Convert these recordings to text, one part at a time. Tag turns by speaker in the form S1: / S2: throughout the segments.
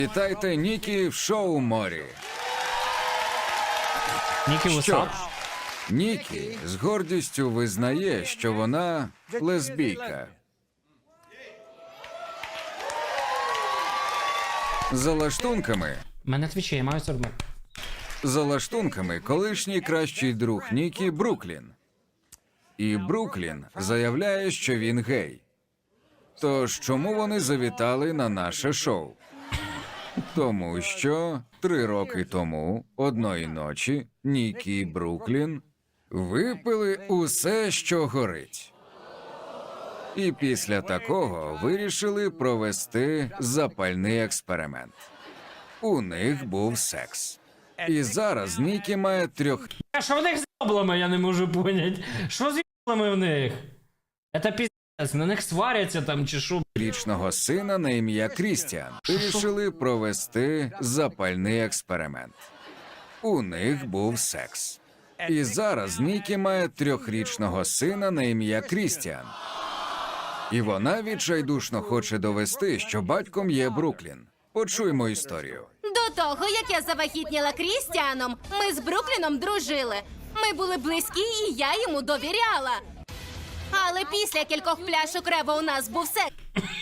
S1: Вітайте Нікі в шоу морі.
S2: Нікі Вусап?
S1: Нікі з гордістю визнає, що вона лесбійка. За лаштунками,
S2: Мене твічі, я маю 40.
S1: за лаштунками колишній кращий друг Нікі Бруклін. І Бруклін заявляє, що він гей. Тож чому вони завітали на наше шоу? Тому що 3 роки тому, одної ночі, Нікі і Бруклін випили усе, що горить. І після такого вирішили провести запальний експеримент. У них був секс. І зараз Нікі має 3
S2: А що в них з яблами, я не можу понять. Що з яблами в них? Это пиздец, на них сваряться там чи що?
S1: річного сина на ім'я Крістіан. Вирішили провести запальний експеримент. У них був секс. І зараз Нікі має 3-річного сина на ім'я Крістіан. І вона відчайдушно хоче довести, що батьком є Бруклін. Почуймо історію.
S3: До того, як я завагітніла Крістіаном, ми з Брукліном дружили. Ми були близькі, і я йому довіряла. Але після кількох пляшок рева у нас був секс.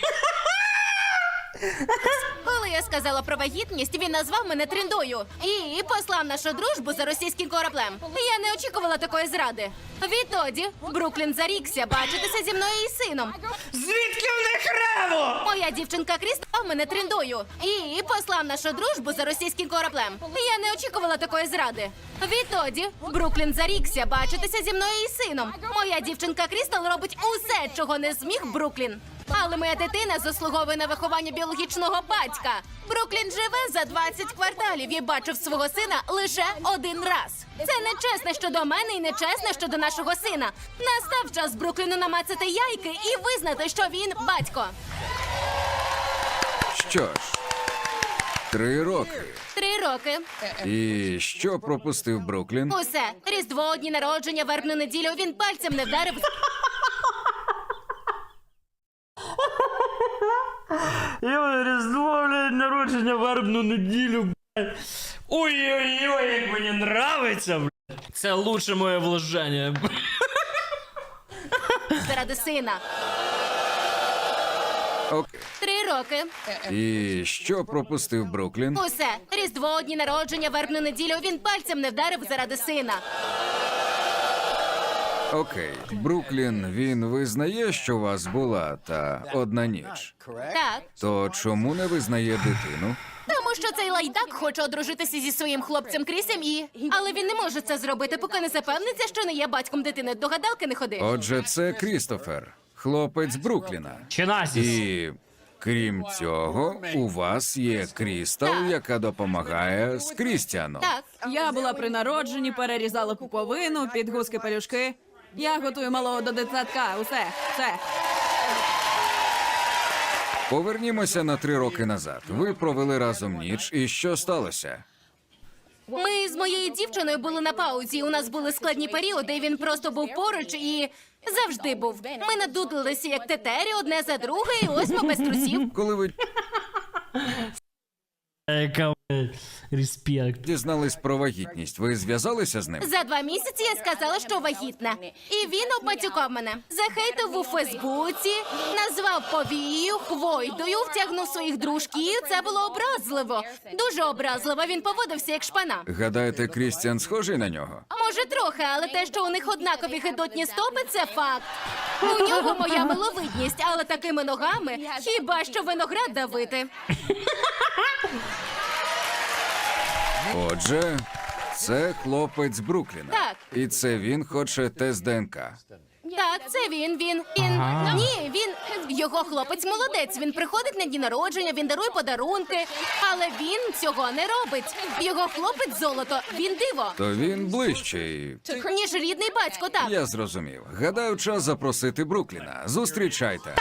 S3: Коли я сказала про вагітність, він назвав мене тріндою і послав нашу дружбу за російським кораблем. Я не очікувала такої зради. Відтоді Бруклін зарікся бачитися зі мною і сином.
S2: Звідки в них рево?
S3: Моя дівчинка Кріс став мене тріндою і послав нашу дружбу за російським кораблем. Я не очікувала такої зради. Відтоді Бруклін зарікся бачитися зі мною і сином. Моя дівчинка Крістал робить усе, чого не зміг Бруклін. Але моя дитина заслуговує на виховання біологічного батька. Бруклін живе за 20 кварталів і бачив свого сина лише 1 раз. Це нечесно щодо мене і нечесно щодо нашого сина. Настав час Брукліну намацати яйки і визнати, що він батько.
S1: Що ж, 3 роки.
S3: 3 роки.
S1: І що пропустив Бруклін?
S3: Усе. Різдво, дні народження, вербну неділю. Він пальцем не вдарив.
S2: Я Різдво, блядь, народження, вербну неділю, блядь. Ой-ой-ой, як мені нравиться, блядь. Це лучше моє вложення.
S3: Заради сина.
S1: Окей.
S3: 3 роки.
S1: І що пропустив Бруклін?
S3: Усе. Різдво, дні народження, вербну неділю. Він пальцем не вдарив заради сина.
S1: Окей. Бруклін, він визнає, що у вас була та одна ніч.
S3: Так.
S1: То чому не визнає дитину?
S3: Тому що цей лайдак хоче одружитися зі своїм хлопцем Крісем і... Але він не може це зробити, поки не запевниться, що не є батьком дитини. До гадалки не ходи.
S1: Отже, це Крістофер, хлопець Брукліна.
S2: Чинасіс.
S1: І крім цього, у вас є Крістал,
S3: Так.
S1: яка допомагає з Крістіаном.
S3: Так.
S4: Я була при народженні, перерізала пуповину, підгузки, пелюшки. Я готую малого до дитсадка. Усе, все.
S1: Повернімося на 3 роки назад. Ви провели разом ніч, і що сталося?
S3: Ми з моєю дівчиною були на паузі. У нас були складні періоди, і він просто був поруч і завжди був. Ми надудлилися як тетері одне за друге, і ось ми без трусів.
S1: Коли ви
S2: Яка, блядь, респект.
S1: дізнались про вагітність, ви зв'язалися з ним?
S3: За 2 місяці я сказала, що вагітна. І він обматюкав мене. Захейтив у Фейсбуці, назвав повією, хвойдою, втягнув своїх дружків. Це було образливо. Дуже образливо. Він поводився як шпана.
S1: Гадаєте, Крістіан схожий на нього?
S3: Може, трохи, але те, що у них однакові гидотні стопи, це факт. У нього моя миловидність, але такими ногами хіба що виноград давити.
S1: Отже, це хлопець Брукліна.
S3: Так.
S1: І це він хоче тест ДНК.
S3: Так, це він.
S2: Ага.
S3: Ні, він... Його хлопець молодець. Він приходить на дні народження, він дарує подарунки. Але він цього не робить. Його хлопець золото, він диво.
S1: То він ближчий.
S3: Ніж рідний батько, так.
S1: Я зрозумів. Гадаю, час запросити Брукліна. Зустрічайте.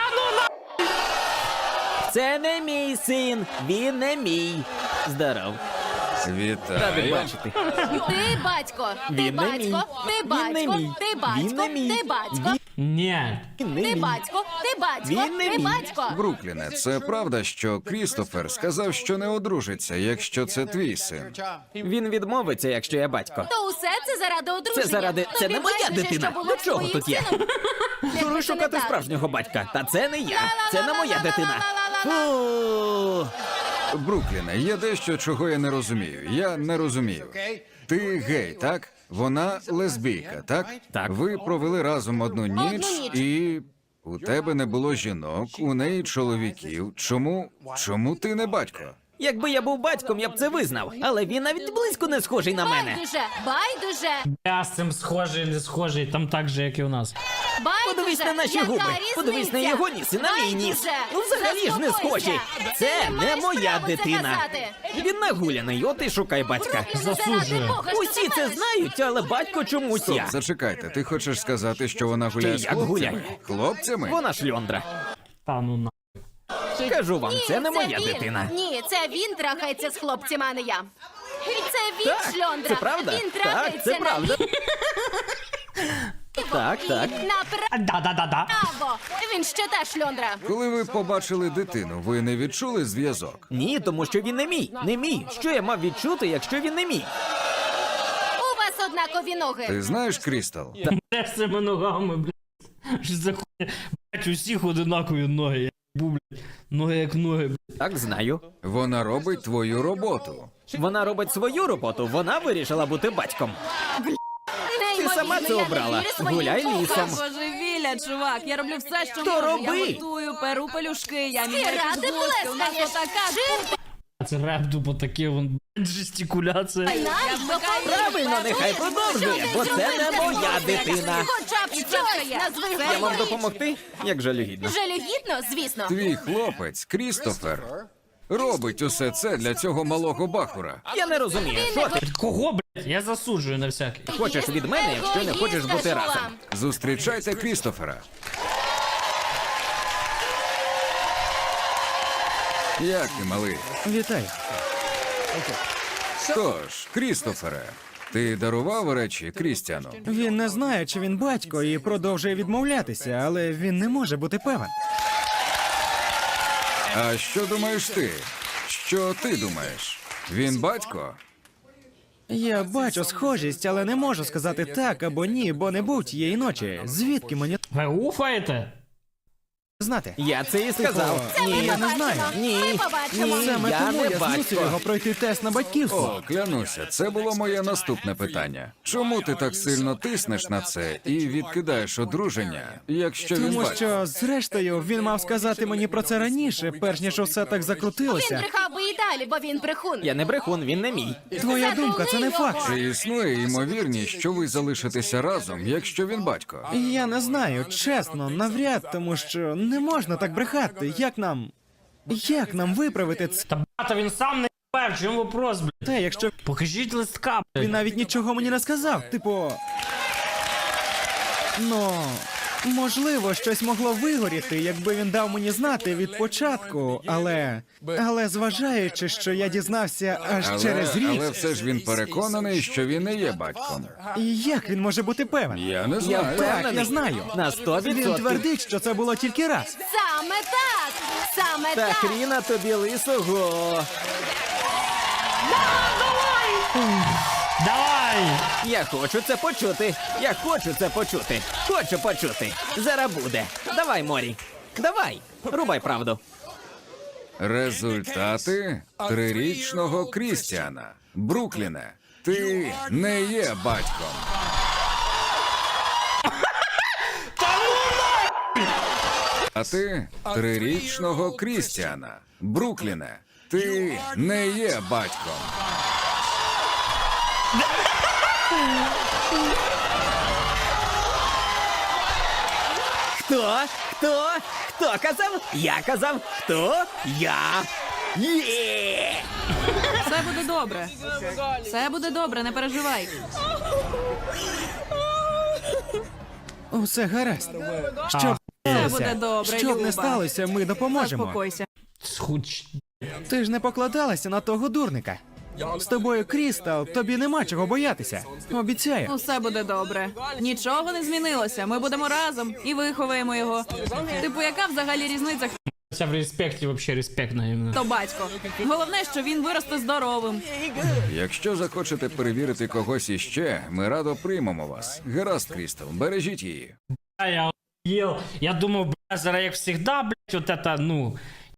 S5: Це не мій син, він не мій. Здоров. Радий
S1: Вітаю.
S5: бачити.
S3: Ти батько, ти
S5: Він не мій.
S3: батько, ти
S5: Він не
S3: батько,
S5: мій.
S3: ти
S5: Він
S3: батько,
S5: не мій.
S3: ти батько.
S2: Ні.
S3: Ти батько, ти батько,
S5: Він не
S3: ти
S5: мій.
S3: батько.
S1: Брукліне, це правда, що Крістофер сказав, що не одружиться, якщо це твій син.
S5: Він відмовиться, якщо я батько.
S3: То усе це заради одруження.
S5: Це заради- це
S3: Тобі
S5: не моя
S3: байдуже,
S5: дитина.
S3: що було
S5: До
S3: з
S5: чого
S3: твоїм
S5: тут я?
S3: сином? Якби
S5: Дури
S3: це не
S5: шукати
S3: так.
S5: справжнього батька. Та це не я. Це не моя дитина. Фу.
S1: Брукліне, є дещо, чого я не розумію. Я не розумію. Ти гей, так? Вона лесбійка, так?
S5: Так.
S1: Ви провели разом одну ніч,
S3: ніч.
S1: і у тебе не було жінок, у неї чоловіків. Чому ти не батько?
S5: Якби я був батьком, я б це визнав. Але він навіть близько не схожий на мене.
S3: Байдуже.
S2: Я з цим схожий, не схожий, там так же, як і у нас.
S5: Подивись на наші
S3: Яка
S5: губи.
S3: різниця?
S5: Подивись на його ніс і на мій ніс.
S3: Байдуже.
S5: Ну взагалі ж не
S3: Заспокойся.
S5: схожі.
S3: Ти
S5: Це
S3: не
S5: не
S3: маєш
S5: моя
S3: права це
S5: дитина.
S3: казати.
S5: Він нагуляний, от і шукай батька.
S2: Засуджую.
S5: Усі це знають, але батько чомусь
S1: Стоп,
S5: я.
S1: зачекайте, ти хочеш сказати, що вона гуляє з
S5: як
S1: хлопцями?
S5: гуляє?
S1: Хлопцями?
S5: Вона шльондра.
S2: Та ну на.
S5: Кажу вам, це не моя
S3: він.
S5: дитина.
S3: Ні, це він трахається з хлопцями, а не я. Це він
S5: Так,
S3: шльондра.
S5: це правда?
S3: Він
S5: Так,
S3: трахається
S5: це правда. Так, так.
S2: Да-да-да-да.
S3: Направо. Він ще та шльондра.
S1: Коли ви побачили дитину, ви не відчули зв'язок?
S5: Ні, тому що він не мій. Не мій. Що я мав відчути, якщо він не мій?
S3: У вас однакові ноги.
S1: Ти знаєш, Крістал?
S2: Де з цими ногами, блядь? Що за хуйня? Блядь, усіх одинакові ноги. Я був, блядь. Ноги як ноги, блядь.
S5: Так, знаю.
S1: Вона робить твою роботу.
S5: Вона робить свою роботу, вона вирішила бути батьком.
S3: Неймовірно,
S5: сама це
S3: я не
S5: обрала.
S3: вірю своїм
S5: Гуляй
S3: вухам.
S5: лісом.
S4: Божевілля, чувак, я роблю все, що
S5: То
S4: можу.
S5: роби.
S4: Я готую, перу пелюшки, я міняю
S3: ради
S4: підгузки, у нас
S3: плескаєш?
S4: отака
S2: Це реп тупо таке, вон, блядь, жестикуляція.
S5: Правильно, нехай продовжує, бо це не моя дитина.
S3: Хоча б щось назви
S5: Я вам
S3: говорить.
S5: допомогти? Як жалюгідно.
S3: Жалюгідно, звісно.
S1: Твій хлопець, Крістофер, робить усе це для цього малого бахура.
S5: Я не розумію, що ти
S2: Кого, блядь? Я засуджую на всякий.
S5: хочеш від мене, якщо не хочеш бути разом.
S1: Зустрічайте Крістофера. Як ти, малий?
S6: Вітаю.
S1: Тож, Крістофере, ти дарував речі Крістіану?
S6: Він не знає, чи він батько, і продовжує відмовлятися, але він не може бути певен.
S1: А що думаєш ти? Що ти думаєш? Він батько?
S6: Я бачу схожість, але не можу сказати так або ні, бо не був тієї ночі. Звідки мені
S2: Ви уфаєте?
S6: знати?
S5: Я це і сказав.
S6: Ні, я не знаю.
S5: Ні,
S3: Ми побачимо.
S5: ні,
S6: Саме
S5: я
S6: тому
S5: не
S6: я змусив його
S5: батько.
S6: пройти тест на батьківство.
S1: О, клянуся, це було моє наступне питання. Чому ти так сильно тиснеш на це і відкидаєш одруження, якщо він
S6: Тому
S1: батько?
S6: що, зрештою, він мав сказати мені про це раніше, перш ніж усе так
S3: Він
S6: закрутилося.
S3: брехав би і далі, бо він брехун.
S5: Я не брехун, він не мій.
S6: Твоя думка, це не факт.
S1: Чи існує ймовірність, що ви залишитеся разом, якщо він батько?
S6: Я не знаю, чесно, навряд, тому що не можна так брехати. Як нам виправити
S2: Та брата він сам не ебав, чому вопрос, блядь?
S6: це, якщо
S2: Покажіть листка, блядь.
S6: він навіть нічого мені не сказав? Типу. Ну, можливо, щось могло вигоріти, якби він дав мені знати від початку, але зважаючи, що я дізнався аж через рік,
S1: Але все ж він переконаний, що він не є батьком.
S6: і як він може бути певен?
S1: Я не
S5: Я
S1: знаю.
S5: впевнений.
S6: Так, я знаю.
S5: На 100%.
S6: Він твердить, що це було тільки раз.
S3: Саме так! Саме
S5: Та
S3: так!
S5: хріна тобі лисого.
S2: Давай!
S5: Я хочу це почути. Я хочу це почути. Хочу почути. Зараз буде. Давай, Морі. Давай. Рубай правду.
S1: Результати трирічного Крістіана. Брукліне, ти не є батьком. А ти трирічного Крістіана. Брукліне, ти не є батьком.
S5: Хто? Хто? Хто казав? Я казав. Хто? Я. Є!
S4: Все буде добре. Все буде добре, не переживай.
S6: Усе гаразд. Щоб
S4: Все буде добре,
S6: Щоб
S4: Люба.
S6: не сталося, ми допоможемо.
S4: Заспокойся.
S2: Схуч.
S6: Ти ж не покладалася на того дурника. З тобою, Крістал, тобі нема чого боятися. Обіцяю.
S4: Усе буде добре. Нічого не змінилося. Ми будемо разом і виховаємо його. Типу, яка взагалі різниця,
S2: Це в респекті, взагалі респектно іменно.
S4: хто батько? Головне, що він виросте здоровим.
S1: Якщо захочете перевірити когось іще, ми радо приймемо вас. Гаразд, Крістал, бережіть її.
S2: Я охуєл. Я думав, бля, зараз як завжди, блядь, от это, ну,